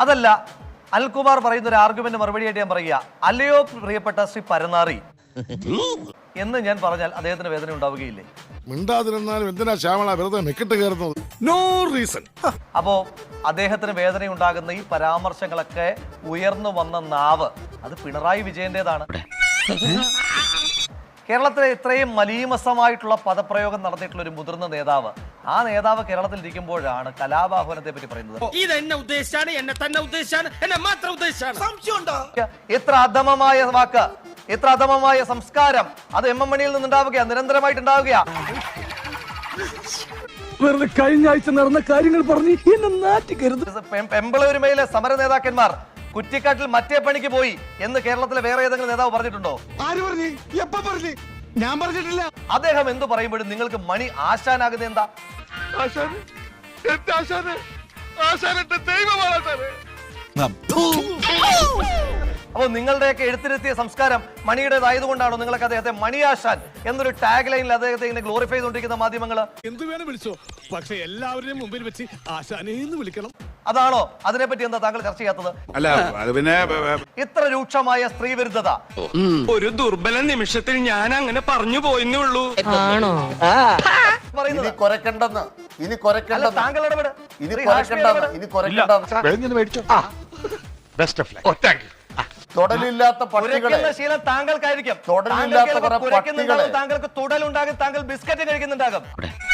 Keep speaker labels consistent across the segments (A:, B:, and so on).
A: അതല്ല, അനിൽകുമാർ പറയുന്ന ഒരു ആർഗ്യുമെന്റ് മറുപടിയായിട്ട് ഞാൻ പറയുക, അല്ലയോ പ്രിയപ്പെട്ട ശ്രീ പരനാറി എന്ന് ഞാൻ പറഞ്ഞാൽ അദ്ദേഹത്തിന് വേദന ഉണ്ടാവുകയില്ലേ?
B: മിണ്ടാതിരുന്നാലും എന്തിനാ ശ്യാമള വെറുതെ മെക്കിട്ട് കയറുന്നത്? No reason.
A: അപ്പോ അദ്ദേഹത്തിന് വേദന ഉണ്ടാകുന്ന ഈ പരാമർശങ്ങളൊക്കെ ഉയർന്നു വന്ന നാവ് അത് പിണറായി വിജയന്റേതാണ്. കേരളത്തിലെ ഇത്രയും മലീമസമായിട്ടുള്ള പദപ്രയോഗം നടത്തിയിട്ടുള്ള ഒരു മുതിർന്ന നേതാവ്, ആ നേതാവ് കേരളത്തിൽ ഇരിക്കുമ്പോഴാണ് കലാപാഹ്വാനത്തെ പറ്റി പറയുന്നത്. എത്ര അധമമായ വാക്ക്, എത്ര അധമമായ സംസ്കാരം, അത് എം എം മണിയിൽ നിന്നുണ്ടാവുകയാ, നിരന്തരമായിട്ടുണ്ടാവുകയാ.
C: വെറുതെ കഴിഞ്ഞ ആഴ്ച നടന്ന കാര്യങ്ങൾ പറഞ്ഞ് എന്നെ നാറ്റിക്കരുത്.
A: പെമ്പിളൂരുമയിലെ സമര നേതാക്കന്മാർ കുറ്റിക്കാട്ടിൽ മറ്റേ പണിക്ക് പോയി എന്ന് കേരളത്തിലെ വേറെ ഏതെങ്കിലും നേതാവ് പറഞ്ഞിട്ടുണ്ടോ?
B: ആര് പറഞ്ഞു? എപ്പ പറഞ്ഞു? ഞാൻ പറഞ്ഞിട്ടില്ല.
A: അദ്ദേഹം എന്ത് പറയുമ്പോഴും നിങ്ങൾക്ക് മണി ആശാനാകുന്നത് എന്താ? അപ്പൊ നിങ്ങളുടെയൊക്കെ എഴുത്തിരുത്തിയ സംസ്കാരം മണിയുടേതായതുകൊണ്ടാണോ നിങ്ങളൊക്കെ അദ്ദേഹത്തെ മണിയാശാൻ എന്നൊരു ടാഗ് ലൈനിൽ അദ്ദേഹത്തെ ഇങ്ങനെ ഗ്ലോറിഫൈ ചെയ്തുകൊണ്ടിരിക്കുന്ന മാധ്യമങ്ങള്?
B: എന്ത് വേണം വിളിച്ചോ, പക്ഷെ എല്ലാവരുടെയും മുമ്പിൽ വെച്ച് ആശാനേന്ന് വിളിക്കണം.
A: അതാണോ അതിനെപ്പറ്റി എന്താ താങ്കൾ ചർച്ച ചെയ്യാത്തത്?
D: അല്ല, അത് പിന്നെ
A: ഇത്ര രൂക്ഷമായ സ്ത്രീ വിരുദ്ധത
E: ഒരു ദുർബല നിമിഷത്തിൽ ഞാൻ അങ്ങനെ പറഞ്ഞു പോയെന്നേ ഉള്ളൂ.
A: പറയുന്നത് താങ്കൾ ഇടപെട്.
F: തൊടലില്ലാത്ത പട്ടികളെ,
A: ശീലം താങ്കൾക്കായിരിക്കും. താങ്കൾക്ക് തുടലുണ്ടാകും, താങ്കൾ ബിസ്ക്കറ്റ് കഴിക്കുന്നുണ്ടാകും.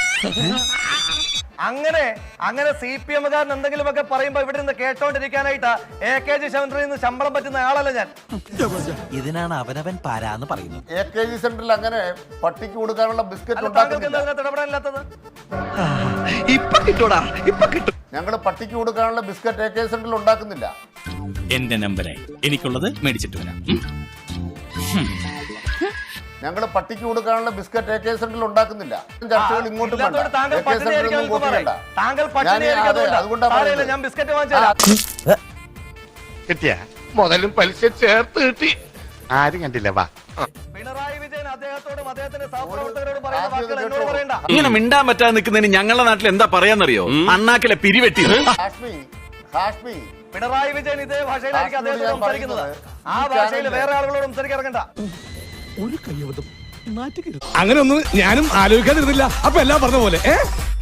A: അങ്ങനെ സി പി എമ്മുകാരൻ എന്തെങ്കിലുമൊക്കെ പറയുമ്പോ ഇവിടെ നിന്ന് കേട്ടോണ്ടിരിക്കാനായിട്ട് AKG സെന്ററിൽ നിന്ന് ശമ്പളം പറ്റുന്ന ആളല്ല ഞാൻ.
G: ഇതിനാണ് അവനവൻ പാരാന്ന് പറയുന്നത്.
F: AKG സെന്ററിൽ അങ്ങനെ പട്ടിക്ക് കൊടുക്കാനുള്ള ബിസ്ക്കറ്റ്
A: താങ്കൾക്ക് എന്താ അതിനകത്ത് ഇടപെടാനില്ലാത്തത്?
F: ഞങ്ങൾ പട്ടിക്ക് കൊടുക്കാനുള്ള ബിസ്ക്കറ്റ് AKG സെന്ററിൽ ഉണ്ടാക്കുന്നില്ല.
H: എന്റെ നമ്പറായി എനിക്കുള്ളത് മേടിച്ചിട്ട് വരാം.
F: ഞങ്ങൾ പട്ടിക്ക് കൊടുക്കാനുള്ള ബിസ്ക്കറ്റ് AKG സെന്ററിൽ ഉണ്ടാക്കുന്നില്ല. ചർച്ചകൾ ഇങ്ങോട്ടും
A: താങ്കൾ അതുകൊണ്ടാണ് ഞാൻ ബിസ്ക്കറ്റ് വാങ്ങിച്ചാൽ
D: കിട്ടിയ മുതലും പലിശ ചേർത്ത് കിട്ടി. ആരും കണ്ടില്ല. വാ,
A: പിണറായി വിജയൻ അദ്ദേഹത്തോടും അദ്ദേഹത്തിന്റെ സഹപ്രവർത്തകരോടും പറയുന്ന വാക്കുകൾ എന്നോട് പറയണ്ട.
H: ഇങ്ങനെ മിണ്ടാൻ പറ്റാതെ നിൽക്കുന്നതിന് ഞങ്ങളുടെ നാട്ടിൽ എന്താ പറയാന്നറിയോ? അണ്ണാക്കിലെ പിരിവെട്ടി.
F: ഹാഷ്മി,
A: പിണറായി വിജയൻ ഇതേ ഭാഷയിലായിരിക്കും അദ്ദേഹത്തോട് സംസാരിക്കുന്നത്. ആ ഭാഷയിൽ വേറെ ആളുകളോട് സംസാരിക്കാൻ ഇറങ്ങണ്ട.
C: ഒരു കയ്യബദ്ധം നാറ്റിക്കരുത്. അങ്ങനെ ഒന്നും ഞാനും ആലോചിക്കാതിരുന്നില്ല. അപ്പൊ എല്ലാം പറഞ്ഞ പോലെ